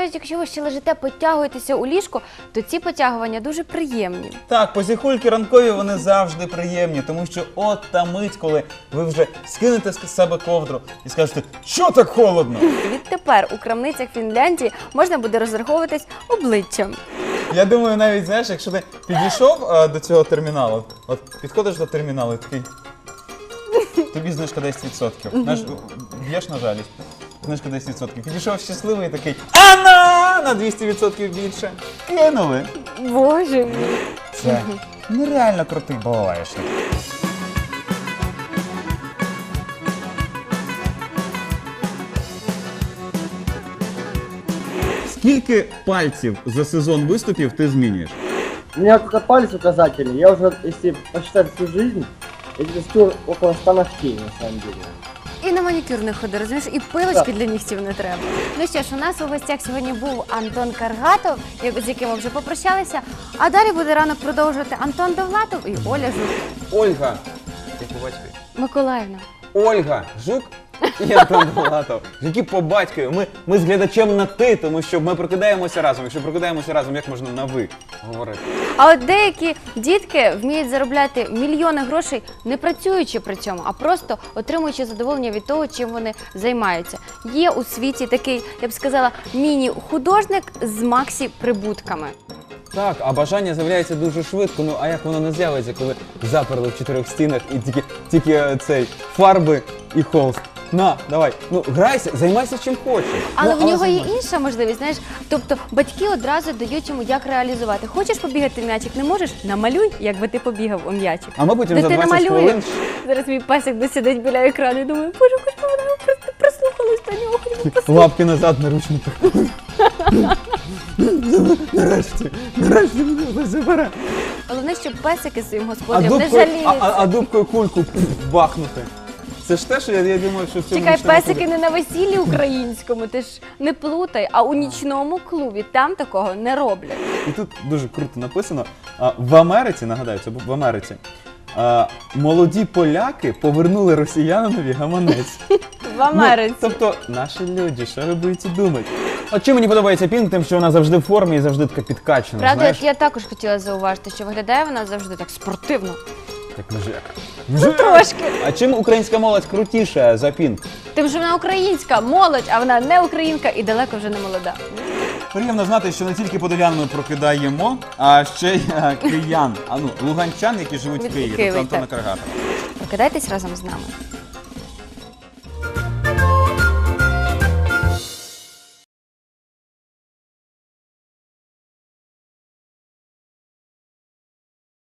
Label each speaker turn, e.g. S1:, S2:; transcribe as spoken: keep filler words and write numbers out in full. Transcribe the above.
S1: навіть якщо ви ще лежите, потягуєтеся у ліжку, то ці потягування дуже приємні.
S2: Так, посіхульки ранкові, вони завжди приємні, тому що от та мить, коли ви вже скинете з себе ковдру і скажете, що так холодно?
S1: Відтепер у крамницях Фінляндії можна буде розраховуватись обличчям.
S2: Я думаю, навіть, знаєш, якщо ти підійшов а, до цього терміналу, от підходиш до терміналу і такий, тобі знижка десять відсотків. Знаєш, б'єш на жалість, знижка десять відсотків. Підійшов щасливий і такий, а на, на двісті відсотків більше. Кинули.
S1: Боже мій.
S2: Це нереально крутий балалайшник. Скільки пальців за сезон виступів ти змінюєш?
S3: У меня только палец указательный. Я уже, если посчитать всю жизнь, я где-то стер около ста ногтей, на самом деле.
S1: І на манікюр не ходи, розумієш, і пилочки для нігтів не треба. Ну що ж, у нас у гостях сьогодні був Антон Каргатов, як- з яким ми вже попрощалися. А далі буде ранок продовжувати Антон Довлатов і Оля Жук.
S4: Ольга, як по батькові?
S1: Миколаївна.
S4: Ольга Жук і Антон Довлатов. Які по батькові. Ми, ми з глядачем на ти, тому що ми прокидаємося разом. Якщо прокидаємося разом, як можна на ви говорити?
S1: А от деякі дітки вміють заробляти мільйони грошей, не працюючи при цьому, а просто отримуючи задоволення від того, чим вони займаються. Є у світі такий, я б сказала, міні-художник з максі-прибутками.
S4: Так, а бажання з'являється дуже швидко. Ну а як воно не з'явиться, коли заперли в чотирьох стінах і тільки, тільки е, цей фарби і холст? На, давай, ну грайся, займайся чим хочеш.
S1: Але
S4: ну,
S1: в нього є
S4: займайся.
S1: інша можливість, знаєш, тобто батьки одразу дають йому, як реалізувати. Хочеш побігати в м'ячик, не можеш? Намалюй, якби ти побігав у м'ячик.
S4: А ми потім за
S1: Дитина
S4: двадцять
S1: малює.
S4: хвилин
S1: Зараз мій пасик досидить біля екрану і думає, боже, хоч би вона просто прислухалась до нього, хоч би послухала.
S4: лапки назад на ручниках. Нарешті, нарешті мене забере.
S1: Головне, щоб песики своїм
S4: А
S1: господарям не
S4: дубкою, а,
S1: жаліються.
S4: а, а дубкою кульку пф, бахнути. Це ж те, що я, я думаю, що в цьому
S1: Чекай,
S4: нічному
S1: песики
S4: клубі.
S1: не на весіллі українському, ти ж не плутай, а у нічному клубі, там такого не роблять.
S4: І тут дуже круто написано. А, в Америці, нагадаю, це був в Америці, а, молоді поляки повернули росіянинові гаманець.
S1: В Америці.
S4: Ну, тобто, наші люди, що ви будете думати? От чим мені подобається Пінк, тим, що вона завжди в формі і завжди така підкачана,
S1: Правда,
S4: знаєш?
S1: от я також хотіла зауважити, що виглядає вона завжди так спортивно.
S4: Як мужик.
S1: Ну, трошки.
S4: А чим українська молодь крутіша за Пінк?
S1: Тим, що вона українська молодь, а вона не українка і далеко вже не молода.
S2: Приємно знати, що не тільки подолян ми прокидаємо, а ще й е, киян, а ну, луганчан, які живуть в
S1: Від
S2: Києві,
S1: Києва,
S2: тобто Антона
S1: так.
S2: Каргатова.
S1: Прокидайтесь разом з нами.